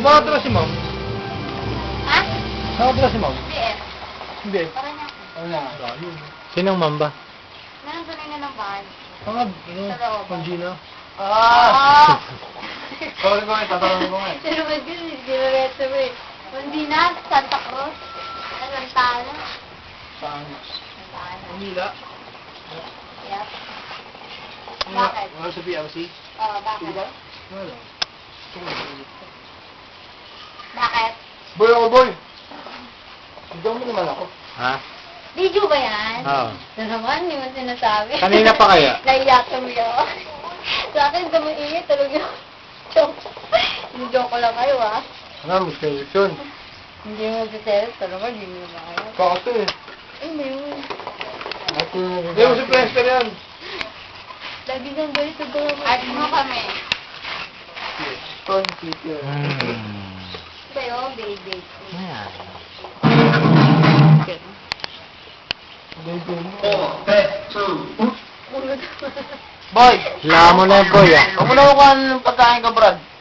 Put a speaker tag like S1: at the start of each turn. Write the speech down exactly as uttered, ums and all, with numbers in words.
S1: Nakatira si ma'am.
S2: Ha?
S1: Nakatira si ma'am.
S2: B F.
S1: Hindi.
S2: Parang niya.
S1: Wala. Ayun.
S3: Sinong mamba?
S2: Meron tuloy na ng bahay.
S1: Mga, ano,
S2: Sa loob.
S1: pang Gina.
S2: Ah!
S1: Sorry ko nga, tatanungin ko nga.
S2: Pero ba din, hindi na reto mo eh. Hindi na, Santa Cruz. Alantana.
S1: Saan?
S2: Alantana.
S1: Manila.
S2: Yep. Bakit?
S1: Wala sa P L C.
S2: Oo, bakit?
S1: Diba? Wala.
S2: Bakit?
S1: Boy ako, boy! Hindi mo naman ako.
S3: Ha?
S2: Video ba yan?
S3: Oo.
S2: Na naman, hindi mo sinasabi.
S3: Kanina pa kaya?
S2: Naiyak kami ako. Sa akin, gumainit talaga. Joke. Joke ko lang kayo, ah.
S1: Ano, mas kayo yun.
S2: Hindi mo magsiselos, talaga, hindi mo makaya.
S1: Kakto eh.
S2: Ay, may yun.
S1: Hindi mo si Prester yan.
S2: Lagi kang galit sa gawa mo. At mo kami.
S1: Stone Peter.
S3: Hmm.
S2: Ba yun, baby?
S3: Ayan.
S1: Boy!
S3: Wala mo na yung boy ah.
S1: Huwag mo na kukuha ng pagkain ka, Brad.